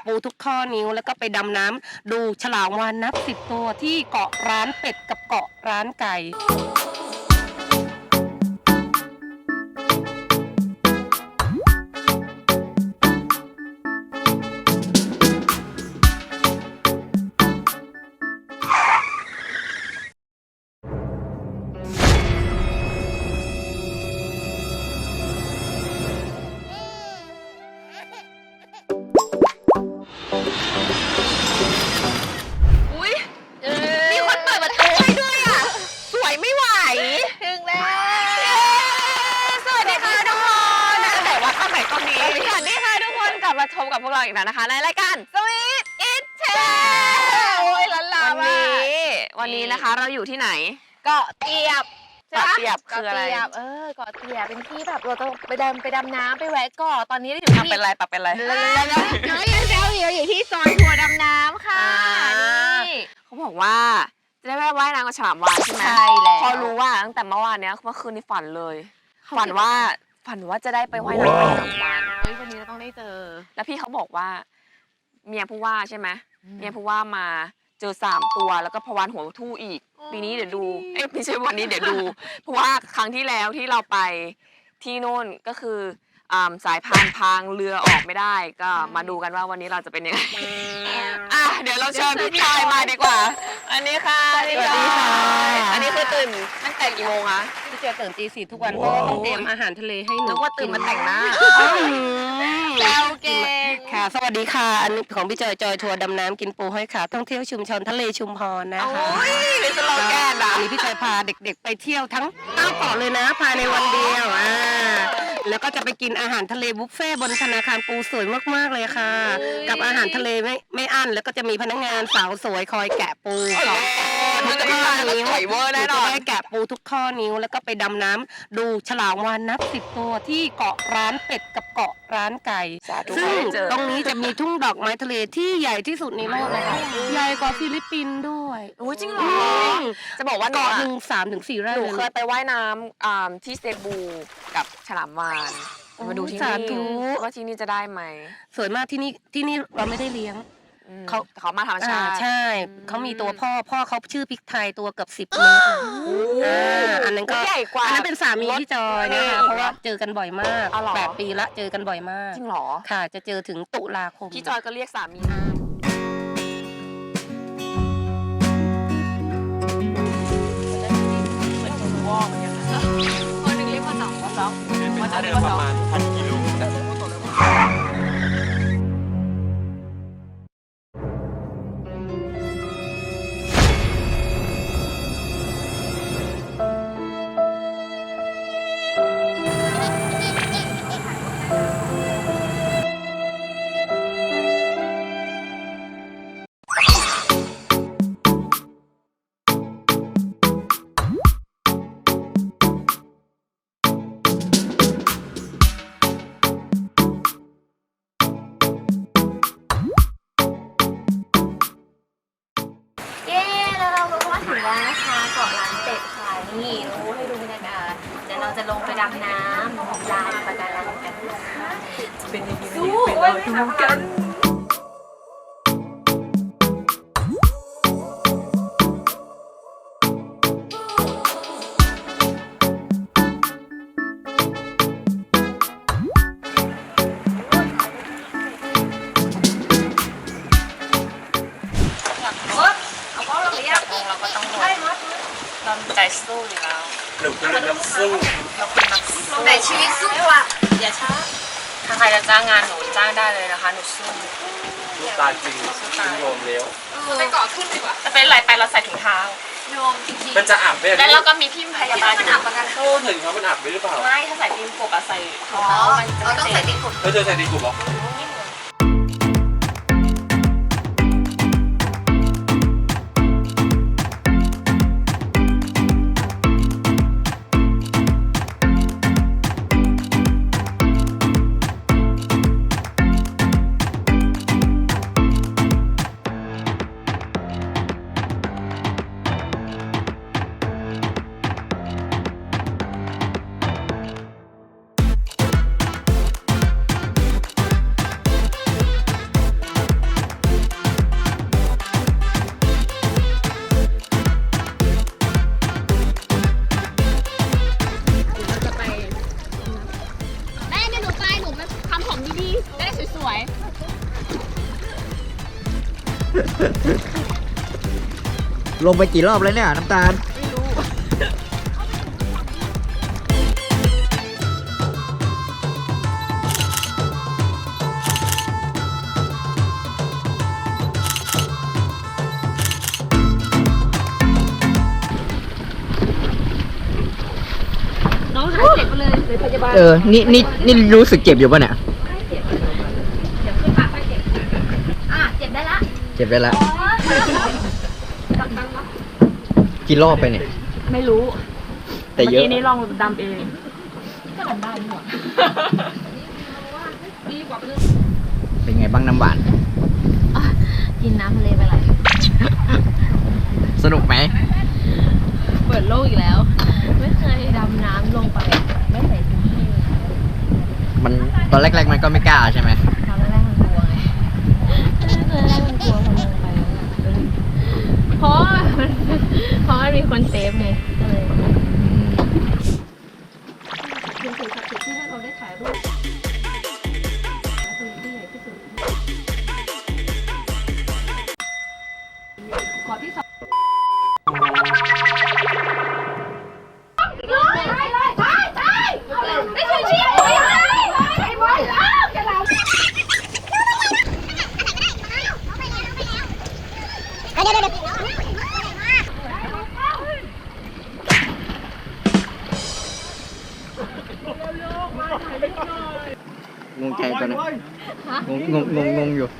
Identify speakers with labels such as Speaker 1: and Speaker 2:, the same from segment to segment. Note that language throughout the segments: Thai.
Speaker 1: ปูทุกข้อนิ้วแล้วก็ไปดำน้ำดูฉลามวาฬนับ10 ตัวที่เกาะร้านเป็ดกับเกาะร้านไก่
Speaker 2: มีคนเปิดประตูให้ด้วยอ่ะสวยไม่ไหวถึงแล้วสวัสดีค่ะทุกคนแต่ว่าข้างไหนก็มีสวัสดีค่ะทุกคนกลับมาชมกับพวกเราอีกแล้วนะคะในรายการสวีทอิทเชโอ้ยล้านลาวันนี้นะคะเราอยู่ที่ไหนเกาะเตียบเกาะเตียบคืออะไรเกาะเตียบเป็นที่แบบเราต้องไปดำน้ำไปแวะเกาะตอนนี้เราอยู่ที่เป็นไรปะเป็นไรน้อยยังเซลอยู่ที่ซอยทัวร์ดำน้ำค่ะนี่เขาบอกว่าจะได้ไปว่ายน้ำกับฉลามวาฬใช่ไหมใช่แล้วพอรู้ว่าตั้งแต่เมื่อวานเนี้ยเมื่อคืนนี้ฝันเลยฝันว่าจะได้ไปว่ายน้ำกับฉลามวาฬวันนี้เราต้องได้เจอแล้วพี่เขาบอกว่าเมียผู้ว่าใช่ไหมเมียผู้ว่ามาเจอ3 ตัวแล้วก็พวานหัวทู่อีกปีนี้เดี๋ยวดูไม่ใช่วันนี้เดี๋ยวดูเพราะว่าครั้งที่แล้วที่เราไปที่โน่นก็คือสายพานพังเรือออกไม่ได้ก็มาดูกันว่าวันนี้เราจะเป็นยังไงเดี๋ยวเราเชิญพี่จอยมาดีกว่าอันนี้ค่ะสวัสดีค่ะอันนี้คือตื่นตั้งแต่กี่โมงคะ
Speaker 1: พี่จอยตื่นตี 4ทุกวันเพราะว่าต้องเตรียมอาหารทะเลให้หนู
Speaker 2: นึกว่าตื่นมาแต่งหน้าแล้วเก่ง
Speaker 1: ค่ะสวัสดีค่ะอันนี้ของพี่จอยทัวร์ดำน้ำกินปูห้อยขาท่องเที่ยวชุมชนทะเลชุมพรนะคะ
Speaker 2: เป็นสโลแกนอ่ะ
Speaker 1: อันนี้พี่จอยพาเด็กๆไปเที่ยวทั้ง9 เกาะเลยนะภายในวันเดียวแล้วก็จะไปกินอาหารทะเลบุฟเฟ่บนธนาคารปูสวยมากๆเลยค่ะกับอาหารทะเลไม่อั้นแล้วก็จะมีพนักงานสาวสวยคอยแกะปูทุกข้อนิ้วจะได้แกะปูทุกข้อนิ้วแล้วก็ไปดำน้ำดูฉลามวาฬนับ10 ตัวที่เกาะร้านเป็ดกับเกาะร้านไก่ซึ่งตรงนี้จะมีทุ่งดอกไม้ทะเลที่ใหญ่ที่สุดในโลกเลยค่ะใหญ่กว่าฟิลิปปินส์ด้วย
Speaker 2: จริงเหรอจะบอกว่า
Speaker 1: เกาะหนึ่ง3 ถึง 4 ไร่
Speaker 2: หนูเคยไปว่ายน้ำที่เซบูกับฉลามวาฬมาดูที่นี่ว่าที่นี่จะได้ไหม
Speaker 1: สวยมากที่นี่เราไม่ได้เลี้ยง
Speaker 2: เขามาธรรมชาติ
Speaker 1: ใช่เขามีตัวพ่อเขาชื่อพริกไทยตัวเกือบ10 เมตรอันนั้นก็
Speaker 2: ใหญ่กว่า
Speaker 1: อันนั้นเป็นสามีพี่จอยนะคะเพราะว่าเจอกันบ่อยมาก8 ปีละเจอกันบ่อยมาก
Speaker 2: จริงหรอ
Speaker 1: ค่ะจะเจอถึงตุลาคม
Speaker 2: พี่จอยก็เรียกสามีคนหนึ่งเรียกว่า2ว่าจะเรียกว่า2ประมาณ1,000 กิโลถึงแล้วนะคะเกาะร้านเป็ดค่ะนี่ให้ดูบรรยากาศเดี๋ยวเราจะลงไปดำน้ำลานปะการังกันนะคะจะเป็นยังไงไปรอดูกันใจสู้อยู่แล้ว
Speaker 3: หนูคือนักสู้
Speaker 2: เราคือนักสู้แต่ชีวิตสู้อ่ะอย่าช้าถ้าใครจะจ้างงานหนูจ้างได้เลยนะคะหนูสู้
Speaker 3: ลูกตาจริงคุณโยมเลี้ยว
Speaker 2: ไปเกาะขึ้นดีกว่าจะเป็นไรไปเราใส่ถุงเท้าโยมจริง
Speaker 3: ๆมันจะอาบไหม
Speaker 2: แล้วเราก็มีพี่พยาบาลมันอาบกัน
Speaker 3: โอ้ถึงเขามันอาบไหมหรือเปล่า
Speaker 2: ไม่ถ้าใส่ตีนกบอะใส่ถุงเท้ามันจะต้องใส่ตีนกบ
Speaker 3: แล้วเจอใส่ตีนกบเหรอ
Speaker 4: ลงไปกี่รอบแล้วเนี่ยน้ำตาล
Speaker 2: น้องหายเจ็บไปเลยพยาบาล
Speaker 4: นี่รู้สึกเจ็บอยู่ป่ะเนี่ย
Speaker 2: เจ็บได้ละ
Speaker 4: เจ็บได้แล้วกี่รอบไปเนี่ย
Speaker 2: ไม่รู้
Speaker 4: แต่เยอะ
Speaker 2: เมื่อกี้นี้ลองดำเองก็ดำได้หมด
Speaker 4: เป็นไงบ้างน้ำหวาน
Speaker 2: กินน้ำทะเลไปเลย
Speaker 4: สนุกไหม
Speaker 2: เปิดโลกอีกแล้ว ไม่เคยดำน้ำลงไปไม่ใส่ถุงมือ
Speaker 4: มันตอนแรกๆมันก็ไม่กล้าใช่ไหม
Speaker 2: ตอนแรกมันกลัวไงตอนแรกมันกลัวพอลงไปเพราะมันมีคนเซฟไงก็เลยเป็นสิ่งศักดิ์สิทธิ์ที่ให้เราได้ถ่ายรูปที่ใหญ่ที่สุดขอที่สองไม่ใช่เชี่ยไอ้บอยจะเรา
Speaker 4: งงใจตอนนี้งงอยู่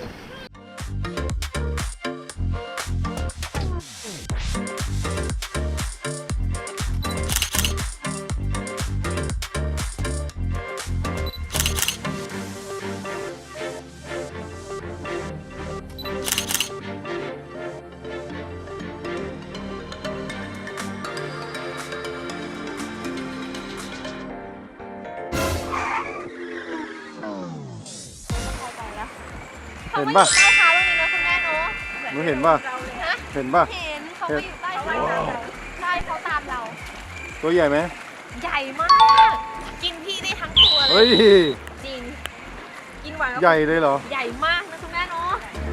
Speaker 5: เห็นป่ะ
Speaker 2: ใต้เท้าตรงนี้นะคุณแม่เนาะ
Speaker 5: หนูเห็นป่ะ เห็นป่ะ
Speaker 2: เห็นเขาไปอยู่ใต้เท้าเราใช่เขาตามเรา
Speaker 5: ตัวใหญ่ไหม
Speaker 2: ใหญ่มาก กินพี่ได้ทั้งตัวเล
Speaker 5: เฮ้
Speaker 2: ย
Speaker 5: ย
Speaker 2: จริง กินหวาน
Speaker 5: ใหญ่เลยเหรอ
Speaker 2: ใหญ่มากนะคุณแม่เนาะ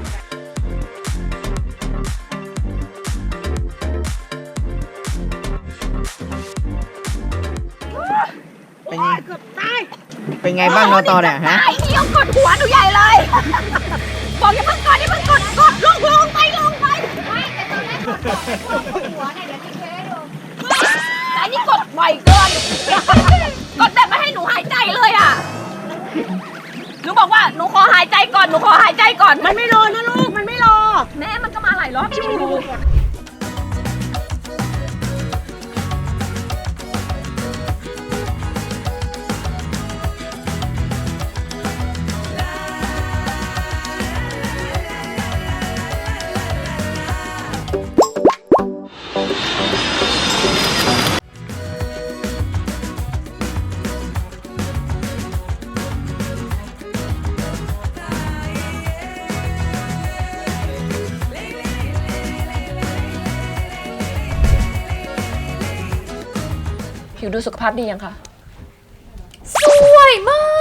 Speaker 4: เป็นไงบ้างนอตอเนี่ยฮะ
Speaker 2: ไอ้เหี้ยกดหัวหนูใหญ่เลย บอกอย่าเพิ่งกดอย่าเพิ่งกดลงไปไม่แต่ตอนแรกกดหัวเนี่ยเดี๋ยวจะเคให้ดูแต่อันนี้กดบ่อยเกิน กดแบบไม่ให้หนูหายใจเลยอ่ะ หนูบอกว่าหนูขอหายใจก่อน มันไม่รอนะลูก มันไม่รอ แม่มันก็มาหลายรอบชิวดู ผิวดูสุขภาพดียังคะ สวยมาก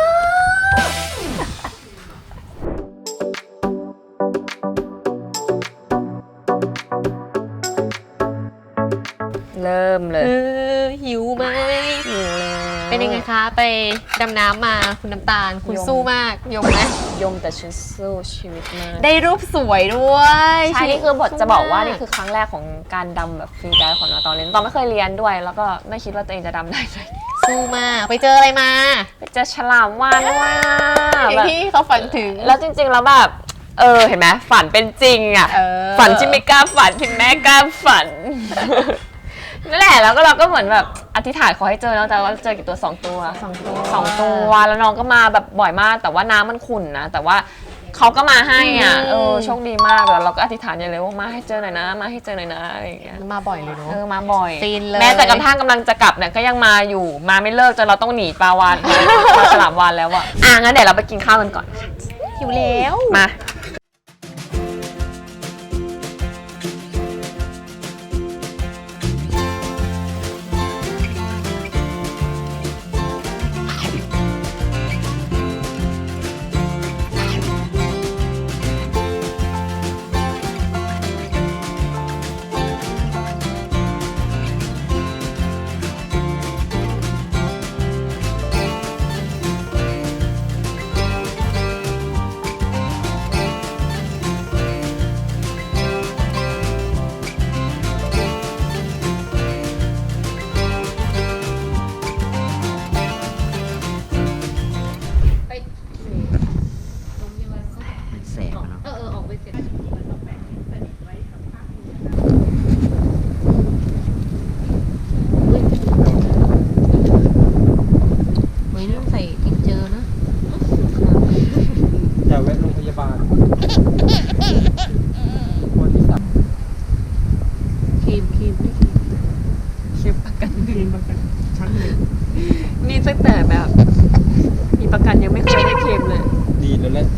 Speaker 6: เริ่มเลย
Speaker 2: หิวไหม
Speaker 6: เป็นยังไงคะ ไปดำน้ำมาคุณน้ำตาล คุณสู้มาก ยมไหม
Speaker 2: ยมแต่ฉันสู้ชีวิตมาก
Speaker 6: ได้รูปสวยด้วย
Speaker 2: ใช่นี่คือบท
Speaker 6: สู้
Speaker 2: จะบอกว่า
Speaker 6: ม
Speaker 2: นี่คือครั้งแรกของการดำแบบฟรีไดฟ์ของเราตอนเรียนตอนไม่เคยเรียนด้วย แล้วก็ไม่คิดว่าตัวเองจะดำได้เลย
Speaker 6: สู้มาก ไปเจออะไรมา
Speaker 2: ไปเจอฉลามวาฬว่า
Speaker 6: อย่าง
Speaker 2: แบบ
Speaker 6: ที่เขาฝันถึง
Speaker 2: แล้วจริงๆแล้วแบบเห็นไหมฝันเป็นจริงอ่ะ ฝันที่ไม่กล้าฝันที่แม่กล้าฝัน นั่นแหละแล้วก็เราก็เหมือนแบบอธิษฐานขอให้เจอแล้วแต่ว่าเจอกี่ตัว2 ตัว2 ตัวแล้วน้องก็มาแบบบ่อยมาก แต่ว่าน้ำมันขุ่นนะแต่ว่าเขาก็มาให้อ่ะโชคดีมากแล้วเราก็อธิษฐานอย่างเลยว่ามาให้เจอหน่อยนะมาให้เจอหน่อยนะอะไรอย่างเงี้ย
Speaker 6: มาบ่อยเลยเนาะ
Speaker 2: มาบ่อย
Speaker 6: ฟินเลย
Speaker 2: แม้แต่กระทั่งกำลังจะกลับเนี่ยก็ยังมาอยู่มาไม่เลิกจนเราต้องหนีปลาวานปลาฉลามวานแล้วอ่ะงั้นเดี๋ยวเราไปกินข้าวกันก่อน
Speaker 6: หิวแล้ว
Speaker 2: มา
Speaker 4: งอะเนาะ
Speaker 6: ออกไปเสร็จไม่ต้องใส่ติ๊กเจอนะ
Speaker 4: อย่าแวะโรงพยาบาลคนที่สั่ง
Speaker 6: ครีมไม่ครีมประกันชั้นหนึ่งนี่ตั้งแต่แบบ มีประกันยังไม่เคยได้เคลมเลย
Speaker 4: ดีแล้วแหละ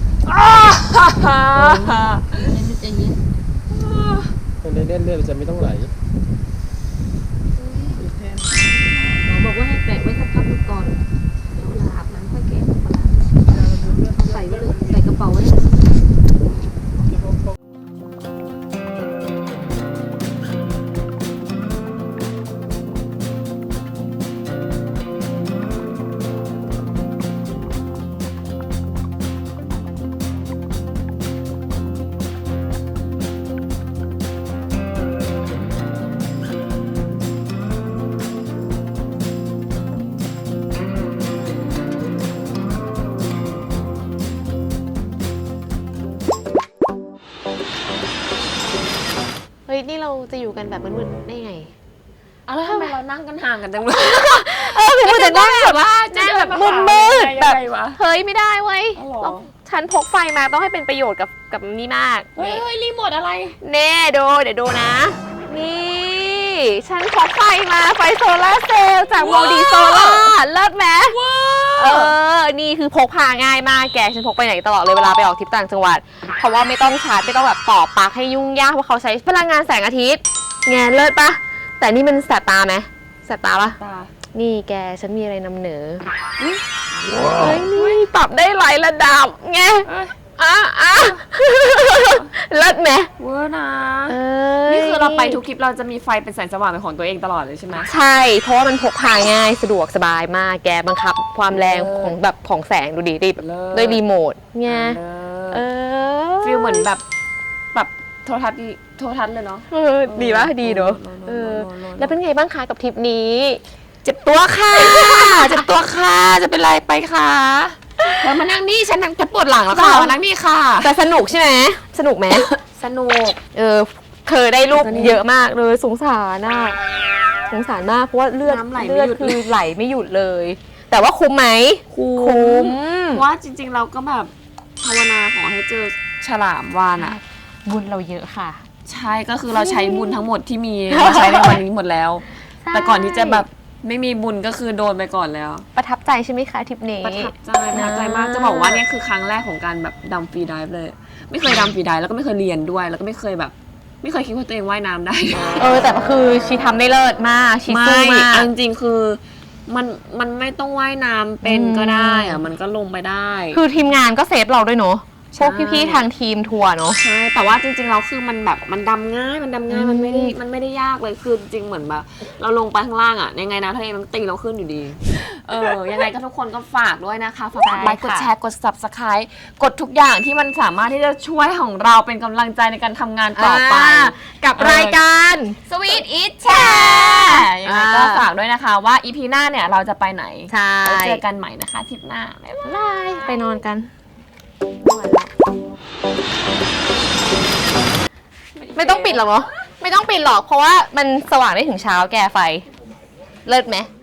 Speaker 6: จะเย็น
Speaker 4: คนได้เล่นเลือดจะไม่ต้องไหล
Speaker 6: หมอบอกว่าให้แปะไว้สักพักก่อนเดี๋ยวเวลาอาบน้ำค่อยแกะใส่ไว้เลยใส่กระเป๋าไว้เลย เฮ้ย นี่เราจะอยู่กันแบบมืดๆได้ไง
Speaker 2: เอาแล้วทำไมเรานั่งกันห่างกันจังเลย
Speaker 6: คือมันจะนั่งแบบว่านั่งแบบมืดๆแบบ
Speaker 2: วะ
Speaker 6: เฮ้ย ไม่ได้เว้ย
Speaker 2: อ๋อเหรอ
Speaker 6: ต้องฉันพกไฟมาต้องให้เป็นประโยชน์กับนี่มาก
Speaker 2: เฮ้ยรีโมทอะไร
Speaker 6: เน่ดูเดี๋ยวดูนะ นี่ ฉันพกไฟมาไฟโซลาร์เซลล์จากโมดีโซล่าเลิศไหมนี่คือพกพาง่ายมากแก ฉันพกไปไหนตลอดเลยเวลาไปออกทริปต่างจังหวัด เพราะว่าไม่ต้องชาร์จไม่ต้องแบบต่อปลั๊กให้ยุ่งยากเพราะเขาใช้พลังงานแสงอาทิตย์ไงเลิศปะแต่นี่มันแสบตาไหมแสบตาปะ
Speaker 2: ตา
Speaker 6: นี่แกฉันมีอะไรนำเหนือเฮ้ยนี่ปรับได้หลายระดับไงเลิศไหม
Speaker 2: เวอร์นะ
Speaker 6: เอ้ย
Speaker 2: นี่คือเราไปทุกคลิปเราจะมีไฟเป็นแสงสว่างเป็นของตัวเองตลอดเลยใช่ไหม
Speaker 6: ใช่ เพราะว่ามันพกพาง่ายสะดวกสบายมากแกบังคับความแรงของแบบของแสงดูดิแบบด้วยรีโมทไง
Speaker 2: ฟีลเหมือนแบบโทรทัศน์เลยเนาะ
Speaker 6: ดีปะดีเนอะ
Speaker 2: โล
Speaker 6: แล้วเป็นไงบ้างคะกับทริปนี้
Speaker 2: เจ็บตัวค่ะเจ็บตัวค่ะจะเป็นไรไปค่ะแล้วมานั่งนี่ฉันนั่งปวดหลังแล้วค่ะมานั่งนี่ค่ะ
Speaker 6: แต่สนุกใช่ไหมสนุกไหม
Speaker 2: สนุก
Speaker 6: เธอได้รูปเยอะมากเลยสงสารน่ะสงสารมากเพราะว่าเลือดคือไหลไม่หยุดเลย แต่ว่าคุ้มไหมคุ้ม
Speaker 2: เพราะว่าจริงๆเราก็แบบภาวนาขอให้เจอฉลามวาฬอ่ะ
Speaker 6: บุญเราเยอะค่ะ
Speaker 2: ใช่ก็คือเราใช้บุญทั้งหมดที่มีมาใช้ในวันนี้หมดแล้ว แต่ก่อนที่จะแบบไม่มีบุญก็คือโดนไปก่อนแล้ว
Speaker 6: ประทับใจใช่ไหมคะทริปนี้
Speaker 2: ประทับใจมากจะบอกว่าเนี่ยคือครั้งแรกของการแบบดำฟรีไดฟ์เลย ไม่เคยดำฟรีไดฟ์แล้วก็ไม่เคยเรียนด้วย แล้วก็ไม่เคยแบบ ไม่เคยคิดว่าตัวเองว่ายน้ำได้
Speaker 6: แต่คือชีทำได้เลิศมากชีสู้มาก
Speaker 2: จริงๆคือมันไม่ต้องว่ายน้ำเป็นก็ได้อะมันก็ลงไปได้
Speaker 6: คือทีมงานก็เซฟเราด้วยเนาะพวกพี่ๆทางทีมทัวร์เนาะ
Speaker 2: ใช่แต่ว่าจริงๆเราคือมันแบบมันดำง่ายมันไม่ได้ยากเลยคือจริงเหมือนแบบเราลงไปข้างล่างอ่ะยังไงนะทะเลมันตีเราขึ้นอยู่ดียังไงก็ทุกคนก็ฝากด้วยนะคะฝากกดไลค์กดแชร์กด Subscribe กดทุกอย่างที่มันสามารถที่จะช่วยของเราเป็นกำลังใจในการทำงานต่อไป
Speaker 6: กับรายการ
Speaker 2: Sweet Eat Share ยังไงก็ฝากด้วยนะคะว่า EP หน้าเนี่ยเราจะไปไหน
Speaker 6: ใช่
Speaker 2: แล้วเจอกันใหม่นะคะทริปหน้าบ๊ายบาย
Speaker 6: ไปนอนกันไม่ต้องปิดหรอกเนาะไม่ต้องปิดหรอกเพราะว่ามันสว่างได้ถึงเช้าแกไฟเลิศไหม